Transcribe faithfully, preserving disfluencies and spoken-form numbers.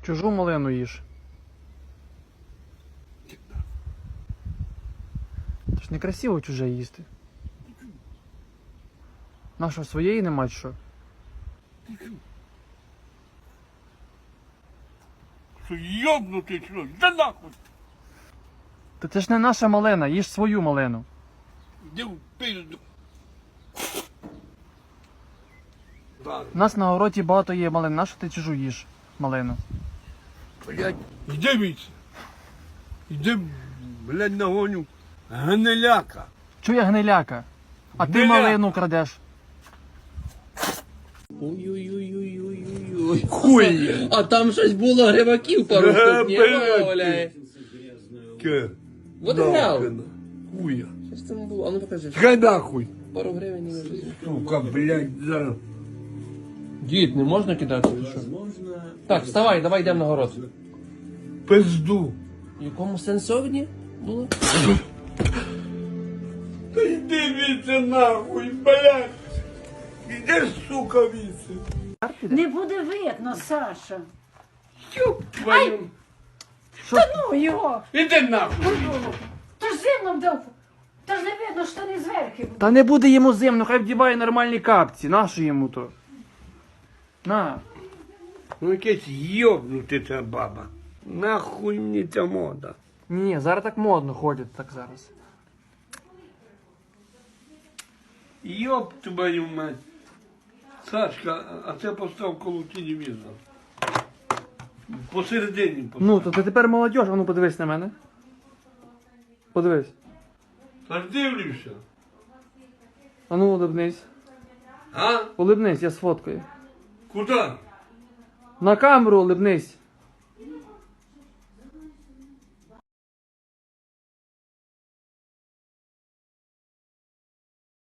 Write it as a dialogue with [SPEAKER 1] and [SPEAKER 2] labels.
[SPEAKER 1] Чужу малину їж. Це ж некрасиво чуже їсти. Наша своєї нема чи що?
[SPEAKER 2] Що йобнутий, що? Да нахуй!
[SPEAKER 1] Та це ж не наша малина, їж свою малину.
[SPEAKER 2] Іди в пизду. Да.
[SPEAKER 1] У нас на городі багато є малин, нащо ти чужу їж малину?
[SPEAKER 2] Блядь, іди віце. Іди, блядь, нагоню. Гниляка.
[SPEAKER 1] Чує гниляка? А ти
[SPEAKER 2] Гниляка.
[SPEAKER 1] малину крадеш.
[SPEAKER 3] Ой-ой-ой-ой-ой-ой.
[SPEAKER 2] Хуй.
[SPEAKER 3] А там щось було гриваків пару
[SPEAKER 2] Е,
[SPEAKER 3] штук, ні,
[SPEAKER 2] блядь.
[SPEAKER 3] валяє.
[SPEAKER 2] Ке.
[SPEAKER 3] Вот і грав.
[SPEAKER 2] Хуя.
[SPEAKER 3] Що ж це не було? А ну покажи.
[SPEAKER 2] Хай нахуй.
[SPEAKER 3] Пару гривень і вже.
[SPEAKER 2] Сука, блядь, зараз.
[SPEAKER 3] Дід, не можна кидати чи що? Так, вставай, давай йдемо на город.
[SPEAKER 2] Пизду.
[SPEAKER 3] В якому сенсовні було?
[SPEAKER 2] Та йди віце нахуй, блядь. Іди, сука, віце.
[SPEAKER 4] Не буде видно, Саша.
[SPEAKER 2] Ёб твою.
[SPEAKER 4] Та ну його!
[SPEAKER 2] Іди нахуй.
[SPEAKER 4] Та ж зимно вдав. Та ж не видно, що не зверху.
[SPEAKER 1] Та не буде йому зимно, хай вдіває нормальні капці. Нащо йому то? На.
[SPEAKER 2] Ну якесь йобнути ця баба. Нахуй мені ця мода.
[SPEAKER 1] Ні, ні, зараз так модно ходять, так зараз.
[SPEAKER 2] Йоб твою мать. Сашка, а це постав коло телевізора. Посередині постав.
[SPEAKER 1] Ну, то ти тепер молодь, а ну подивись на мене. Подивись.
[SPEAKER 2] Та ж дивлюся.
[SPEAKER 1] А ну улибнись.
[SPEAKER 2] А?
[SPEAKER 1] Улибнись, я сфоткаю.
[SPEAKER 2] Куди?
[SPEAKER 1] На камеру улибнись.